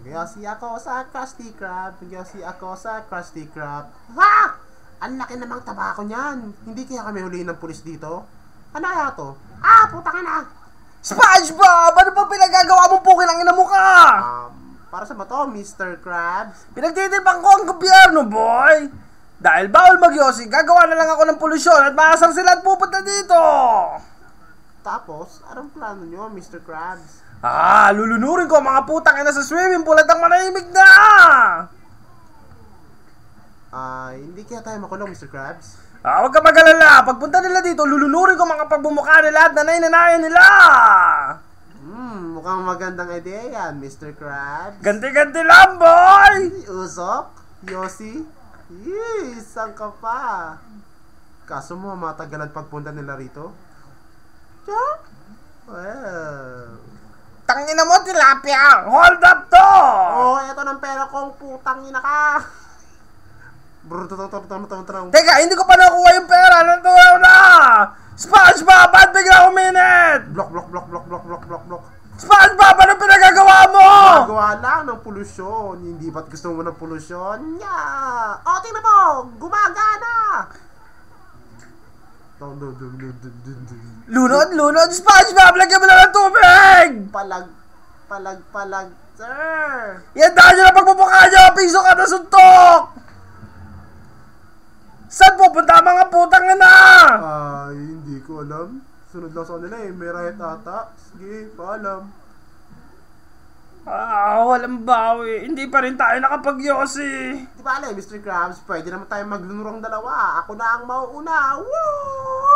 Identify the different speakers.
Speaker 1: Magyosi ako sa Krusty Krab. Magyosi ako sa Krusty Krab. Ha! Ang laki namang taba ko niyan. Hindi kaya kami huliin ng pulis dito? Ano kaya to? Ah! Putang ina!
Speaker 2: SpongeBob! Ano ba pinagagawa mong pukilang ina mo ka?
Speaker 1: Para sa ba to, Mr. Krabs?
Speaker 2: Pinagtitipang ko ang gobyerno, boy! Dahil bawal magyosi, gagawa na lang ako ng polusyon at maasar sila at pupunta dito!
Speaker 1: Tapos, anong plano nyo, Mr. Krabs?
Speaker 2: Lulunurin ko ang mga putang ina sa swimming pool at ang manahimik na!
Speaker 1: Hindi kaya tayo makulong, Mr. Krabs?
Speaker 2: Huwag ka mag-alala. Pagpunta nila dito, lulunurin ko mga pagbumukha nila at nanay-nanayan nila!
Speaker 1: Mukhang magandang idea yan, Mr. Krabs.
Speaker 2: Ganti-ganti lang, boy!
Speaker 1: Usok? Yossi? Saan ka pa? Kaso mo, matagalan pagpunta nila rito? Well...
Speaker 2: Tangina mo, tilapia! Hold up to!
Speaker 1: Eto ng pera kong putang ina ka!
Speaker 2: Teka, hindi ko pa nakuha yung pera. Natuwa na! SpongeBob, ba't bigla uminit?
Speaker 1: Block.
Speaker 2: SpongeBob, anong pinagagawa mo?
Speaker 1: Nagawa lang ng polusyon. Hindi ba't gusto mo ng polusyon? Tingnan mo! Gumagana!
Speaker 2: Lunod, SpongeBob, lagyan mo na ng tubig!
Speaker 1: Palag, sir!
Speaker 2: Yan dahil nyo na pagpupukha nyo! Piso ka na suntok! Saan pupunta mga putang na?
Speaker 1: Hindi ko alam. Sunod lang sa kanila may riot ata. Sige, paalam.
Speaker 2: Walang bawi. Hindi pa rin tayo nakapag-yosi.
Speaker 1: Di ba alam, Mr. Krabs, pwede naman tayo maglunurong dalawa. Ako na ang mauuna. Woo!